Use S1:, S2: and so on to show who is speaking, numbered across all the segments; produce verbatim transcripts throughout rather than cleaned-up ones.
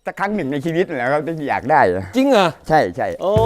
S1: สักครั้งหนึ่งในชีวิตแหละครับที่อยากได้
S2: จริงเหรอ
S1: ใช่ใช่
S2: โอ้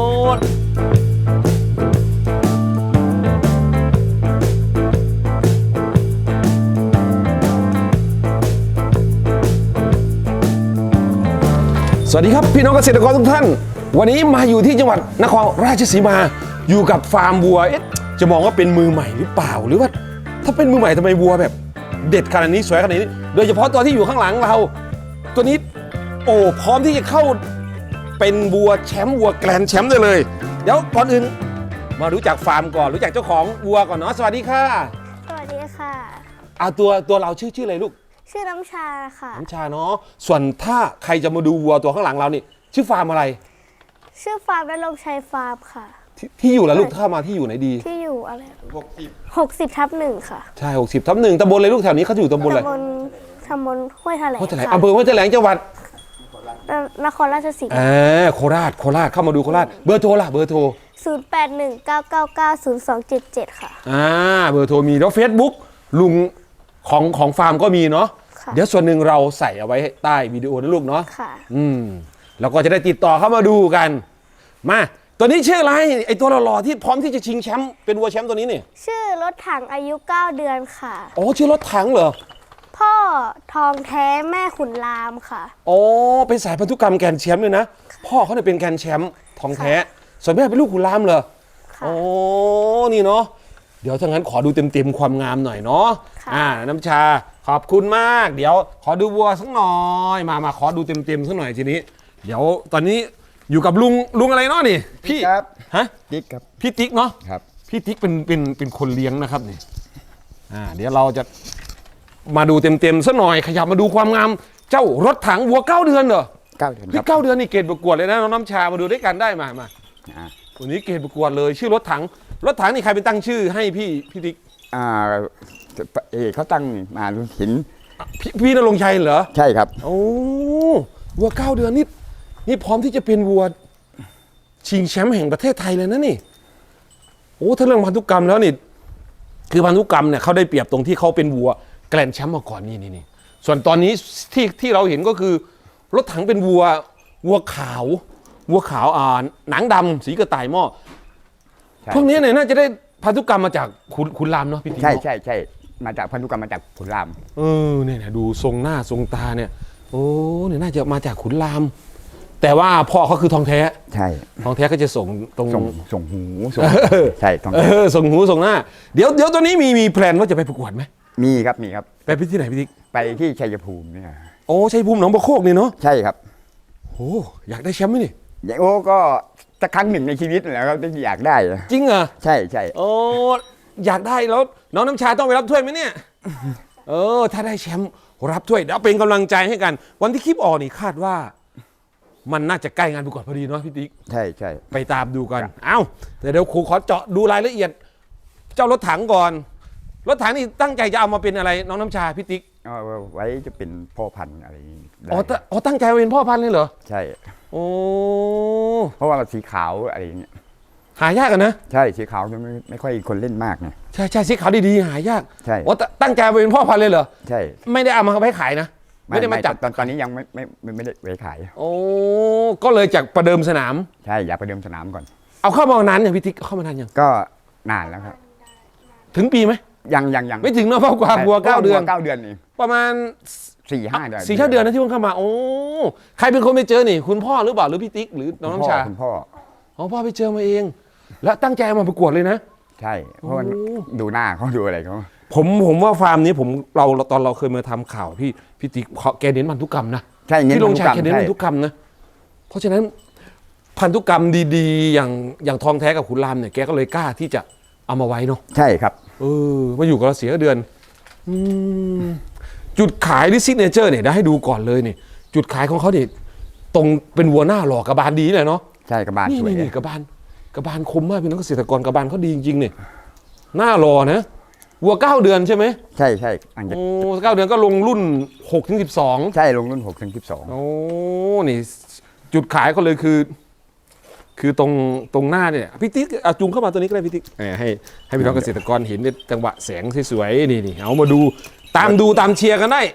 S2: สวัสดีครับพี่น้องเกษตรกรทุกท่านวันนี้มาอยู่ที่จังหวัดนครราชสีมาอยู่กับฟาร์มวัวเอ๊ะจะมองว่าเป็นมือใหม่หรือเปล่าหรือว่าถ้าเป็นมือใหม่ทำไมวัวแบบเด็ดขนาดนี้สวยขนาดนี้โดยเฉพาะตัวที่อยู่ข้างหลังเราตัวนี้โอ้พร้อมที่จะเข้าเป็นวัวแชมป์วัวแกรนด์แชมป์ได้เลยเดี๋ยวก่อนอื่นมารู้จักฟาร์มก่อนรู้จักเจ้าของวัวก่อนเนาะสวัสดีค่ะ
S3: สวัสดีค่ะ
S2: เอาตัวตัวเราชื่อชื่ออะไรลูก
S3: ชื่อน้ำชาค่ะ
S2: น้ำชาเนาะส่วนถ้าใครจะมาดูวัวตัวข้างหลังเรานี่ชื่อฟาร์มอะไร
S3: ชื่อฟาร์มนรงชัยฟาร์มค่ะ
S2: ทที่อยู่แล้วลูกเข้ามาที่อยู่ไหนดี
S3: ที่อยู่อะไรหกสิบหกสิบทับหนึ่งค่ะ
S2: ใช่หกสิบทับหนึ่งตำบลอะไรลูกแถวนี้เขาอยู่ตำบลอะไร
S3: ตำบลตำบลห้วยแถลง
S2: ห้วยแถลงอำเภอห้วยแถลงจังหวัด
S3: นครราชสีมา
S2: อ่าโคราชโคราชเข้ามาดูโคราชเบอร์โทรล่ะเบอร์โทร
S3: ศูนย์แปดหนึ่งเก้าเก้าเก้าศูนย์สองเจ็ดเจ็ดค่ะ
S2: อ่าเบอร์โทรมีแล้วเฟซบุ๊กลุงของของฟาร์มก็มีเนาะเดี๋ยวส่วนหนึ่งเราใส่เอาไว้ใต้วิดีโอนะลูกเนาะ
S3: ค่ะ
S2: อืมแล้วก็จะได้ติดต่อเข้ามาดูกันมาตัวนี้ชื่ออะไรไอตัวหล่อๆที่พร้อมที่จะชิงแชมป์เป็นวัวแชมป์ตัวนี้เนี่ย
S3: ชื่อรถถังอายุเก้าเดือนค่ะ
S2: อ๋อชื่อรถถังเหรอ
S3: พ่อทองแท้แม่ขุนรามค่ะ
S2: อ๋อเป็นสายพันธุกรรมแกรนด์แชมป์เลยนะพ่อเขาเนี่ยเป็นแกรนด์แชมป์ทองแท้ส่วนแม่เป็นลูกขุนรามเหรออ๋อนี่เนาะเดี๋ยวถ้างั้นขอดูเต็มๆความงามหน่อยเนาะอ่าน้ำชาขอบคุณมากเดี๋ยวขอดูวัวสักหน่อยมามาขอดูเต็มๆสักหน่อยทีนี้เดี๋ยวตอนนี้อยู่กับลุงลุงอะไรเนาะนี่พี่
S1: ครับ
S2: ฮะ
S1: ติ๊กครับ
S2: พี่ติ๊กเนาะ
S1: ครับ
S2: พี่ติ๊กเป็นเป็นเป็นคนเลี้ยงนะครับนี่อ่าเดี๋ยวเราจะมาดูเต็มๆสักหน่อยขยับมาดูความงามเจ้ารถถังวัวเก้าเดือนเหรอ
S1: เก้าเดือน
S2: พี่เก้าเดือนนี่เกรดประกวดเลยนะน้องน้ำชามาดูด้วยกันได้มามาวันนี้เกรดประกวดเลยชื่อรถถังรถถังนี่ใครเป็นตั้งชื่อให้พี่พี่ติ๊ก
S1: อ่าเอเขาตั้งมาลุหิน
S2: พี่พี่ณรงค์ชัยเหรอ
S1: ใช่ครับ
S2: โอ้วัวเก้าเดือนนี่นี่พร้อมที่จะเป็นวัวชิงแชมป์แห่งประเทศไทยเลยนะนี่โอ้ถ้าเรื่องพันธุกรรมแล้วนี่คือพันธุกรรมเนี่ยเขาได้เปรียบตรงที่เขาเป็นวัวแกรนด์แชมป์มาก่อนนี่นี่นี่ส่วนตอนนี้ที่ที่เราเห็นก็คือรถถังเป็นวัววัวขาววัวขาวอ่าหนังดำสีกระต่ายหม้อพวกนี้เนี่ยน่าจะได้พันธุกรรมมาจากขุนขุนรามเนาะพี่ติ๊ก
S1: ใช่ใช่ใช่มาจากพันธุกรรมมาจากขุนราม
S2: เออเนี่ยดูทรงหน้าทรงตาเนี่ยโอ้เนี่ยน่าจะมาจากขุนรามแต่ว่าพ่อเขาคือทองแท้
S1: ใช่
S2: ทองแท้ก็จะส่งตรง
S1: ส่งส่งหูส่งใช่ทองแท้
S2: ส่งหูส่งหน้าเดี๋ยวเดี๋ยวตัวนี้มีมีแพลนว่าจะไปประกวดไหม
S1: มีครับมีครับ
S2: ไปที่ไหนพี่ติ๊ก
S1: ไปที่ชัยภูมิเนี่ย
S2: โอ้ชัยภูมิหนองบัวโคกนี่เนาะ
S1: ใช่ครับ
S2: โอ้อยากได้แชมป์ไหมนี่
S1: อย่างโอ้ก็สักครั้งหนึ่งในชีวิตแหละครับที่อยากได้
S2: จริงเหรอ
S1: ใช่ใช่
S2: โอ้อยากได้แล้วน้องน้ำชาต้องไปรับถ้วยไหมเนี่ยเออถ้าได้แชมป์รับถ้วยเดี๋ยวเป็นกำลังใจให้กันวันที่คลิปออกนี่คาดว่ามันน่าจะใกล้งานประกวดพอดีเนาะพี่ติ๊ก
S1: ใช่ใช่
S2: ไปตามดูกันเอ้าแต่เดี๋ยวครูขอเจาะดูรายละเอียดเจ้ารถถังก่อนรถถังนี่ตั้งใจจะเอามาเป็นอะไรน้องน้ำชาพี่ติ๊ก
S1: เอาไว้จะเป็นพ่อพันธุ์อะไร
S2: อ๋ออ๋อตั้งใจเป็นพ่อพันธุ์เลยเหรอ
S1: ใช่
S2: โอ้
S1: เพราะว่าสีขาวอะไรอย่างเงี้ย
S2: หายากกันนะ
S1: ใช่สีขาวจะไม่ไม่ค่อยคนเล่นมากไง
S2: ใช่ใช่สีขาวดีๆหายาก
S1: ใช่
S2: อ๋อตั้งใจเป็นพ่อพันธุ์เลยเหรอ
S1: ใช่
S2: ไม่ได้เอามาไว้ขายนะไม่ได้มาจับ
S1: ตอนตอนนี้ยังไม่ไม่ไม่ได้ไว้ขาย
S2: โอ้ก็เลยจากประเดิมสนาม
S1: ใช่อยากประเดิมสนามก่อน
S2: เอาเข้ามานานอย่างพี่ติ๊กเข้ามานานยัง
S1: ก็นานแล้วครับ
S2: ถึงปีไหม
S1: ยังยังยัง
S2: ไม่ถึงเนาะเพราะความวัวเก้าเดือน
S1: เก้าเดือนเอง
S2: ประมาณ
S1: สี่ห้าเดือน
S2: สี่ห้าเดือนนะที่เพิ่งเข้ามาโอ้ใครเป็นคนไปเจอนี่คุณพ่อหรือเปล่าหรือพี่ติ๊กหรือน้องน้ำชา
S1: คุณพ่อ
S2: อ๋อพ่อไปเจอมาเองแล้วตั้งใจมาประกวดเลยนะ
S1: ใช่เพราะมันดูหน้าเขาดูอะไรเขา
S2: ผมผมว่าฟาร์มนี้ผมเราตอนเราเคยมาทำข่าวพี่พี่ติ๊กแกเน้นพันธุกรรมนะ
S1: ใช่
S2: ที่ลงชายแกเน้นพันธุกรรมนะเพราะฉะนั้นพันธุกรรมดีๆอย่างอย่างทองแท้กับขุนรามเนี่ยแกก็เลยกล้าที่จะเอามาไว้เนาะ
S1: ใช่ครับ
S2: เออมาอยู่กับเราเสียเดือนจุดขายหรือซิกเนเจอร์เนี่ยได้ให้ดูก่อนเลยนี่จุดขายของเขาเนี่ยตรงเป็นวัวหน้าหล่อกระบาลดีเลยเนาะ
S1: ใช่กระบาลสวย
S2: นี่กระบาลกระบาลคมมากพี่น้องเกษตรกรกระบาลเขาดีจริงๆเนี่ยหน้าหล่อนะวัวเก้าเดือนใช่ไหม
S1: ใช่ใช่
S2: โอ้เก้าเดือนก็ลงรุ่นหกถึงสิบสอง
S1: ใช่ลงรุ่นหกถึงสิบสอง
S2: โอ้นี่จุดขายเขาเลยคือคือตรงตรงหน้าเนี่ยพี่ติ๊กเอาจุงเข้ามาตัวนี้ก็ได้พี่ติ๊กให้ให้พี่น้องเกษตรกรเห็นในจังหวะแสงสวยๆนี่นี่เอามาดูตามดูตามเชียร์กันได้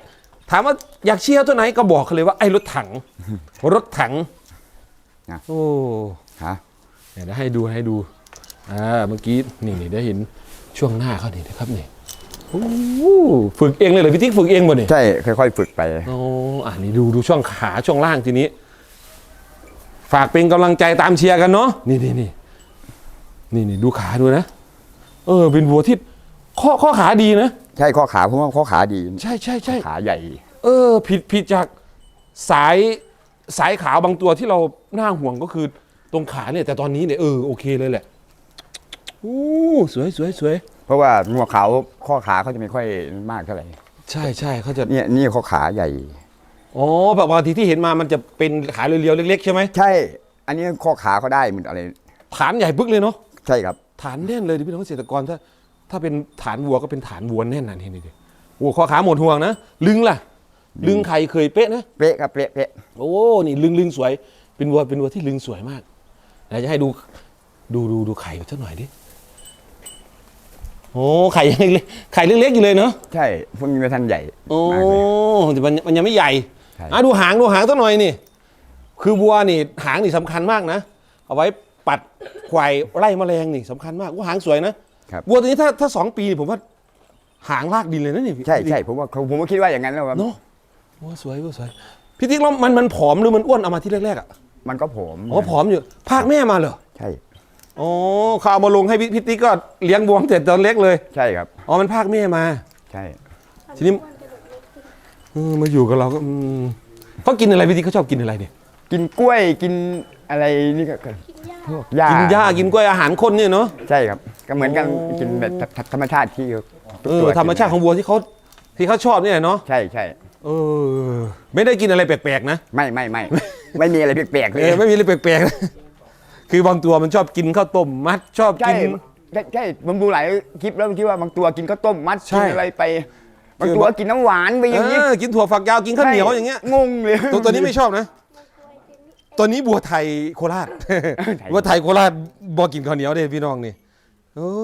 S2: ถามว่าอยากเชียร์ตัวไหนก็บอกเขาเลยว่าไอ้รถถัง รถถัง
S1: นะ
S2: โอ้
S1: ฮะ
S2: เดี๋ยวให้ดูให้ดูอ่าเมื่อกี้นี่นี่ได้เห็นช่วงหน้าเขานี่นะครับนี่โอ้ฝึกเองเลยเหรอพี่ติ๊กฝึกเองบ่เนี่ย
S1: ใช่ค่อยๆฝึกไป
S2: โอ้อ่านี่ดูดูช่วงขาช่วงล่างทีนี้ ฝากเป็นกำลังใจตามเชียร์กันเนาะนี่นี่นี่นี่นี่ดูขาดูนะเออเป็นวัวที่ข้อข้อขาดีนะ
S1: ใช่ข้อขาเพราะว่าข้อขาดี
S2: ใช่ใช่ใช่
S1: ขาใหญ่
S2: เออผิดผิดจากสายสายขาวบางตัวที่เราหน้าห่วงก็คือตรงขาเนี่ยแต่ตอนนี้เนี่ยเออโอเคเลยแหละอู้สวยสวยสวย
S1: เพราะว่างัวขาวข้อขาเขาจะไม่ค่อยมากเท่าไหร่
S2: ใช่ใช่เขาจะ
S1: เนี่ยนี่ข้อขาใหญ่
S2: อ๋อแบบบางทีที่เห็นมามันจะเป็นขาเรียวๆเล็กๆใช่ไหม
S1: ใช่ อันนี้ข้อขาเขาได้เหมือนอะไร
S2: ฐานใหญ่ปึ๊กเลยเนาะ
S1: ใช่ครับ
S2: ฐานแน่นเลยดิพี่น้องเกษตรกรถ้าถ้าเป็นฐานวัวก็เป็นฐานวัวแน่นนะนี่นี่ดิโอ้ข้อขาหมดห่วงนะลึงล่ะลึงไข่เคยเป๊ะนะ
S1: เป๊ะครับเป๊ะเป๊ะ
S2: โอ้นี่ลึงลึงสวยเป็นวัวเป็นวัวที่ลึงสวยมากเดี๋ยวจะให้ดูดูดูดูไข่สักหน่อยดิโอ้ไข่ยังเล็กๆไข่เล็กๆอยู่เลยเนาะ
S1: ใช่พวกนี้ไม่ทันใหญ่
S2: โอ้
S1: มากเลย
S2: แต่มันมันยังไม่ใหญ่
S1: ใช่
S2: อ่ะดูหางดูหางสักหน่อยนี่ คือวัวนี่หางนี่สำคัญมากนะ เอาไว้ปัดควายไล่แมลงนี่สำคัญมากว่าหางสวยนะครับ วัวตัวนี้ถ้าถ้าสองปีนี่ผมว่าหางลากดินเลยนะนี่พี่
S1: ใช่ใช่ผมว่าผมก็คิดว่าอย่างนั้นแล้วครับ
S2: เนาะวัวสวยวัวสวยพี่ติ๊กแล้วมันมันผอมหรือมันอ้วนเอามาที่แรกๆอ่ะ
S1: มันก็ผอม
S2: อ๋อผอมอยู่ภาคแม่มาเหรอ
S1: ใช่
S2: อ๋อเขาเอามาลงให้พี่พี่ติ๊กก็เลี้ยงวัวตั้งแต่ตอนเล็กเลย
S1: ใช่ครับ
S2: อ๋อมันภาคแม่มา
S1: ใช่
S2: ทีนี้เออมาอยู่กับเราก็อืมเขากินอะไรพี่ติ๊กเขาชอบกินอะไรเนี่ย
S1: กินกล้วยกินอะไรนี่ก็พวกหญ้า
S2: กินหญ้ากินกล้วยอาหารคนเนี่ยเนาะ
S1: ใช่ครับ ก็เหมือนกัน
S2: โอ้
S1: กินแบบธรรมชาติที่
S2: เออธรรมชาติของวัวที่เขาที่เขาชอบเนี่ยเนาะ
S1: ใช่ใช่
S2: เออไม่ได้กินอะไรแปลกๆนะ
S1: ไม่ไม่ไม่ ไม่มีอะไรแปลกๆเล
S2: เอย อไม่มีอะไรแปลกๆนะคือบางตัวมันชอบกินข้าวต้มมัดชอบ
S1: ใช่
S2: กิน
S1: ใช่ใช่ผมดูหลายคลิปแล้วที่ว่าบางตัวกินข้าวต้มมัด
S2: ใช่
S1: กินอะไรไป บางตัวกินน้ำหวานไปอย่างนี้
S2: เออกินถั่วฝักยาวกินข้าวเหนียวอย่างเงี้ย
S1: งงเลย
S2: ตัวตัวนี้ไม่ชอบนะ ตัวนี้บัวไทยโคราช
S1: ไทย
S2: บัวไทยโคราชบอกกินข้าวเหนียวเด้พี่น้องนี่โอ้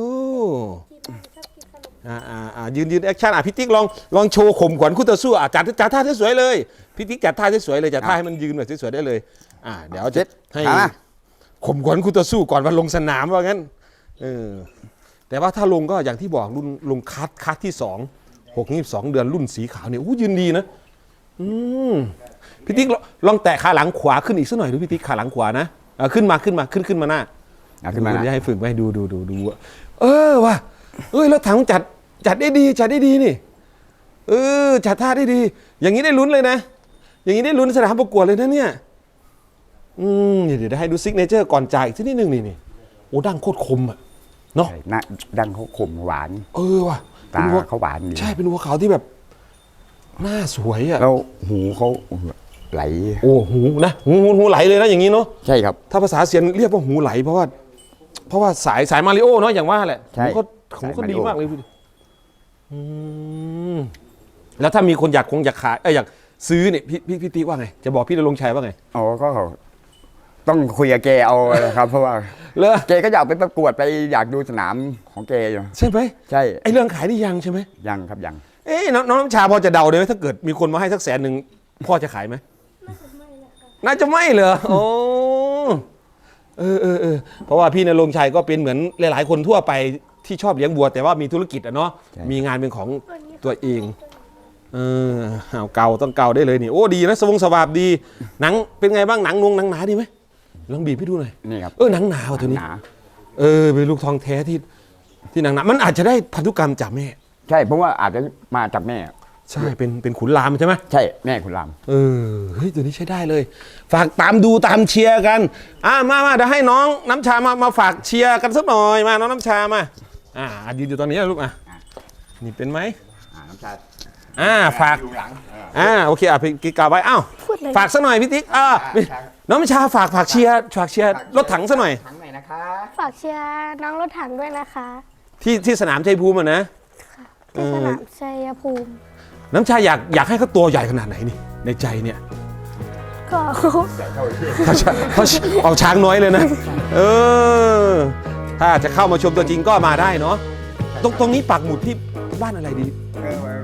S2: อ่าอ่าอ่ายืนยืนแอคชั่นอ่ะพี่ติ๊กลองลองโชว์ข่มขวัญคู่ต่อสู้อ่ะจัดจัดท่าสวยๆเลยพี่ติ๊กจัดท่าสวยๆเลยจัดท่าให้มันยืนแบบสวยๆได้เลยอ่าเดี๋ยวจะให้
S1: ถามมา
S2: ข่มขวัญคู่ต่อสู้ก่อนวันลงสนามว่างั้นเออแต่ว่าถ้าลงก็อย่างที่บอกรุ่นลงคัดคัดที่สองหกยี่สิบสองเดือนรุ่นสีขาวเนี่ยอู้ยืนดีนะอืมพี่ติ๊กลองลองแตะขาหลังขวาขึ้นอีกสักหน่อยดูพี่ติ๊กขาหลังขวานะอ่ะขึ้นมาขึ้นมาขึ้นขึ้นมาหน้า
S1: อ่ะขึ้นมา
S2: ดู
S1: นะ
S2: จะให้ฝึกไว้ดูดูดูดูเออว่ะเอ้ยแล้วถังจัดจัดได้ดีจัดได้ดีนี่เออจัดท่าได้ดี อย่างนี้ได้ลุ้นเลยนะ อย่างนี้ได้ลุ้นสนามประกวดเลยนะเนี่ยอืมเดี๋ยวได้ให้ดูซิกเนเจอร์ก่อนจ่ายอีกสักนิดนึงนี่นี่โอ้ดั้งโคตรคมอ่ะเนาะ
S1: ใช่หน้าดังเขาขมหวาน
S2: เออว่ะ
S1: ตา
S2: เป็นวัว
S1: เขาหวานดี
S2: ใช่เป็นวัวขาวที่แบบหน้าสวยอ่ะ
S1: แล้วหูเขาไหล
S2: โอ้หูนะหูหูหูไหลเลยนะอย่างนี้เนาะ
S1: ใช่ครับ
S2: ถ้าภาษาเซียนเรียกว่าหูไหลเพราะว่า เพราะว่าสายสายมาริโอเนาะอย่างว่าแหละ
S1: ใช่
S2: หูก็หูก็
S1: สายมาริ
S2: ดี
S1: โอ
S2: มากเลยพี่อืมแล้วถ้ามีคนอยากคงอยากขายเอ้ยอยากซื้อเนี่ยพี่พี่พี่ติ๊กว่าไงจะบอกพี่ณรงค์ชัยว่าไง
S1: อ๋อก็ต้องคุยกับแกเอาครับ เพราะว่า
S2: เลอ
S1: แกก็อยากไปประกวดไปอยากดูสนามของแกอยู่
S2: ใช่ไหม
S1: ใช่
S2: ไอเรื่องขายนี่ยังใช่ไหม
S1: ยังครับยัง
S2: เอ้ยน้องน้องน้ำชาพอจะเดาได้ไหมถ้าเกิดมีคนมาให้สักแสนหนึ่งพ่อจะขายไหมน่าจะไม่เหรอโอ้เออเออเออเพราะว่าพี่ณรงค์ชัยก็เป็นเหมือนหลาย ๆ คนทั่วไปที่ชอบเลี้ยงวัว แต่ว่ามีธุรกิจอะเนาะมีงานเป็นของตัวเองเออเอาเกาต้องเกาได้เลยนี่โอ้ดีนะสวงสวาบดีหนังเป็นไงบ้างหนังนงหนังหนาดีไหมลองบีบให้ดูหน่อย
S1: นี่ครับ
S2: เออหนังหนาว่ะตัวนี้
S1: หนา
S2: เออเป็นลูกทองแท้ที่ที่หนังหนามันอาจจะได้พันธุกรรมจากแม่
S1: ใช่เพราะว่าอาจจะมาจากแม่
S2: ใช่เป็นเป็นขุนรามใช่ไหม
S1: ใช่แม่คุณราม
S2: เออเฮ้ยตัวนี้ใช้ได้เลย ฝากตามดูตามเชียร์กันอ่ามามาเดี๋ยวให้น้องน้ำชามามาฝากเชียร์กันสักหน่อยมาน้องน้ำชามาอ่ายืนอยู่ตอนนี้นะลูกอ่ะนี่เป็นไหม
S1: อ่าน้ำชา
S2: อ่าฝาก
S1: อยู่หลัง
S2: อ่าโอเคอ่ะพี่กล่าวไว้อ้าว
S3: พูดเลย
S2: ฝากสักหน่อยพี่ติ๊กอ่าน้องน้ำชาฝากฝากเชียร์ฝากเชียร์รถถังสักหน่อย
S1: ถังไหนนะคะ
S3: ฝากเชียร์น้องรถถังด้วยนะคะ
S2: ที่ที่สนามชัยภูมิอะนะ
S3: ที่สนามชัยภูมิ
S2: น้ำชาอยากอยากให้เขาตัวใหญ่ขนาดไหนนี่ในใจเนี่ย
S3: ก็
S2: เขาช้างเขาเอาช้างน้อยเลยนะ เออ ถ้าจะเข้ามาชมตัวจริงก็มาได้เนาะ ตรงตรงนี้ปักหมุดที่บ้านอะไรดี
S1: เออ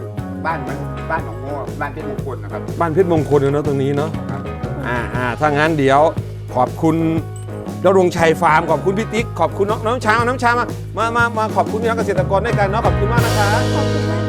S1: บ้านมันบ้านหนองโง่บ้านเพชรมงคลนะครับ
S2: บ้านเพชรมงคลเนาะตรงนี้เนาะ
S1: ครับ
S2: อ่าอ่าถ้างั้นเดี๋ยวขอบคุณดรงชัยฟาร์มขอบคุณพี่ติ๊กขอบคุณน้องน้องช้างน้องช้างมามามามาขอบคุณพี่น้องเกษตรกรด้วยกันเนาะขอบคุณมากนะคะ
S3: ขอบคุณมาก